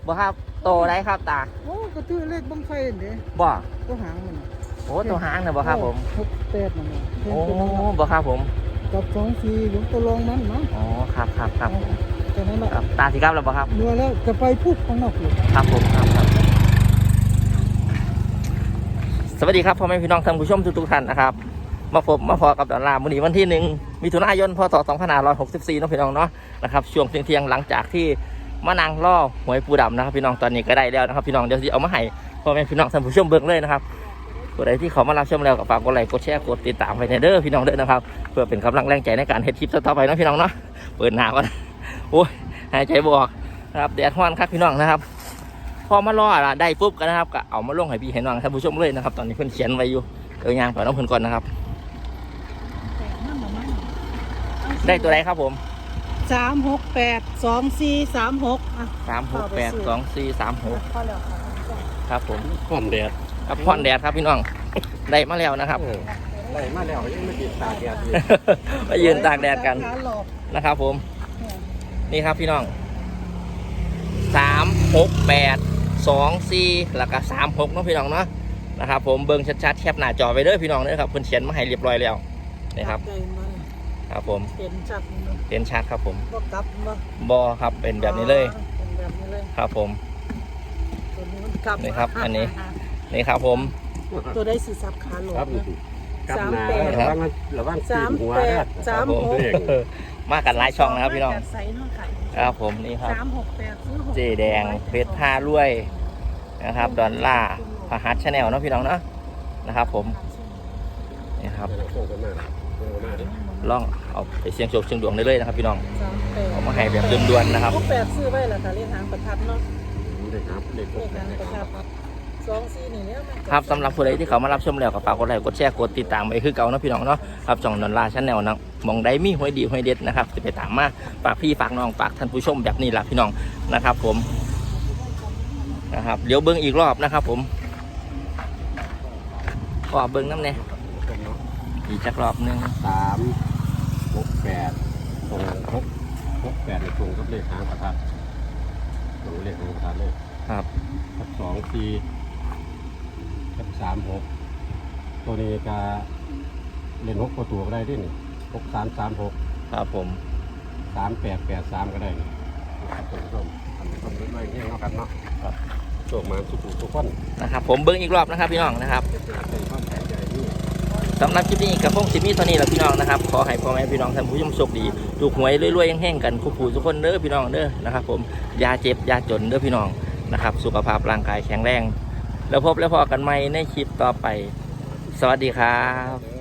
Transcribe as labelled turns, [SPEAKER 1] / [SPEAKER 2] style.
[SPEAKER 1] บ่ครับโตได้ครับตา
[SPEAKER 2] โอ้ก็ตื้อเลขบังไฟเด้
[SPEAKER 1] บ่
[SPEAKER 2] ตัวหางมัน
[SPEAKER 1] โอ้ตัวหางนะบ่ครับผม
[SPEAKER 2] 68นั่นน่ะ
[SPEAKER 1] โอ้บ่ครับผม
[SPEAKER 2] กับ24อยู่ตัวรองมันเนาะ
[SPEAKER 1] อ๋อครับผม
[SPEAKER 2] แค่นั้นแหละ
[SPEAKER 1] ครับตาสิครับแล้วบ่ครับ
[SPEAKER 2] เมื่อแล้วจะไปพูดข้างนอกอยู่
[SPEAKER 1] ครับผมครับสวัสดีครับพ่อแม่พี่น้องท่านผู้ชมทุกท่านนะครับมาพอกับดอลลาร์มื้อนี้วันที่1 มิถุนายนพศ2564เนาะพี่น้องเนาะนะครับช่วงเที่ยงหลังจากที่มานั่งล่อหวยปูดำนะครับพี่น้องตอนนี้ก็ได้แล้วนะครับพี่น้องเดี๋ยวสิเอามาให้พ่อแม่พี่น้องท่านผู้ชมเบิ่งเลยนะครับผู้ใดที่เขามารับชมแล้วก็ฝากกดไลค์กดแชร์กดติดตามไว้ในเด้อพี่น้องเด้อนะครับเพื่อเป็นกำลังแรงใจในการเฮ็ดคลิปต่อไปเนาะพี่น้องเนาะเปิดหน้าก่อนโอ้ยหายใจบ่ออกนะครับแดดร้อนครับพี่น้องนะครับพอมาล่อละได้ปุ๊บกันนะครับก็เอามาลงให้พี่ให้น้องท่านผู้ชมเลยนะครับตอนนี้เพิ่นเขียนไว้อยู่ยางก่อนน้องเพิ่นก่อนนะครับได้ตัวไหนครับผม
[SPEAKER 2] 3682436อ่ะ
[SPEAKER 1] 3682436
[SPEAKER 2] พอแล้วค่ะ
[SPEAKER 1] ครับผม
[SPEAKER 3] ผ่อนแดด
[SPEAKER 1] กับพ่อนแดดครับพี่น้องได้มาแล้วนะครับ
[SPEAKER 3] ไล่มาแล้วยังไม่ติดตาแดดอยู่
[SPEAKER 1] มายืนตากแดดกัน
[SPEAKER 2] ขาหลอก
[SPEAKER 1] นะครับผม
[SPEAKER 2] เนี่ย
[SPEAKER 1] นี่ครับพี่น้อง36824แล้วก็36เนาะพี่น้องเนาะนะครับผมเบิ่งชัดๆแคปหน้าจอไปเด้อพี่น้องเด้อครับเพิ่นเขียนมาให้เรียบร้อยแล้วนี่ครับ
[SPEAKER 2] ใจมัน
[SPEAKER 1] ครับผม
[SPEAKER 2] เห็นชัดมัน
[SPEAKER 1] เห็นชัดครับผม
[SPEAKER 2] บ่กลับบ่
[SPEAKER 1] บอครับเป็นแบบนี้เลย
[SPEAKER 2] เป็นแบบนี้เลย
[SPEAKER 1] ครับผม
[SPEAKER 2] ตัวนี้มันกลับ
[SPEAKER 1] นี่ครับอันนี้ นี่ครับผม
[SPEAKER 2] ตัวได้สิซับขาหลอก
[SPEAKER 3] ครับ
[SPEAKER 2] นะ
[SPEAKER 3] กลับหนา
[SPEAKER 2] 38
[SPEAKER 3] ระวังตีนหัว
[SPEAKER 2] 38
[SPEAKER 3] นะ
[SPEAKER 1] ครับผม
[SPEAKER 2] 36
[SPEAKER 1] มากันหลายช่องนะครับพี่น้อง
[SPEAKER 2] ใส่น้องไข่
[SPEAKER 1] ครับผมนี่ครับ
[SPEAKER 2] 368ซื้อ6
[SPEAKER 1] เจแดงเพชรท่ารวยนะครับดอลล่าพหัสชาแนลเนาะพี่น้องเนาะนะครับผมนี่ครับลองเอาไปเสียงโชคเสียงดวงได้เลยนะครับพี่น้องเอามาให้แบบด่วนๆนะครับ
[SPEAKER 2] 68ซื้อไว้ล่ะค่ะเลขหางประทัดเนาะ
[SPEAKER 3] เด็กครับเด็ก
[SPEAKER 2] เลขหางประทัด24นี่แล้วมัน
[SPEAKER 1] ครับสำหรับผู้ใดที่เขามารับชมแล้วก็ฝากกดไลค์กดแชร์กดติดตามไว้คือเก่าเนาะพี่น้องเนาะครับช่องดอลล่าชาแนลนะมองได้มีหวยดีหวยเด็ดนะครับจะไปตามมาฝากพี่ฝากน้องฝากท่านผู้ชมแบบนี้แหละพี่น้องนะครับผมนะครับเดี๋ยวเบิ้งอีกรอบนะครับผมขอเบิ้งน้ำเนี่ยอีกจักรอบหนึง
[SPEAKER 3] 368ตรง68ในตรงกับเลขหางประทัดตรงเลขหางประทัดเลย
[SPEAKER 1] ครับ
[SPEAKER 3] กับ24กับ36ตัวนี้ก็เล่น6ตัวก็ได้ดิ6336
[SPEAKER 1] ครับผม
[SPEAKER 3] 3883ก็ได้นี่ครับท่านผู้ชมเล่นไว้เงี้ยเนาะกันเนาะโชคมาสุขทุกคน
[SPEAKER 1] นะครับผมเบิ้งอีกรอบนะครับพี่น้องนะครับ
[SPEAKER 3] เป็นความแข็งใจนี่
[SPEAKER 1] สำหรับคลิปนี้กับพงศิมีเท่านี้แหละพี่น้องนะครับขอให้พ่อแม่พี่น้องท่านผู้ชมโชคดีถูกหวยรวยๆแห้งๆกันคู่ๆทุกคนเด้อพี่น้องเด้อนะครับผมอย่าเจ็บอย่าจนเด้อพี่น้องนะครับสุขภาพร่างกายแข็งแรงแล้วพบแล้วพอกันใหม่ในคลิปต่อไปสวัสดีครับ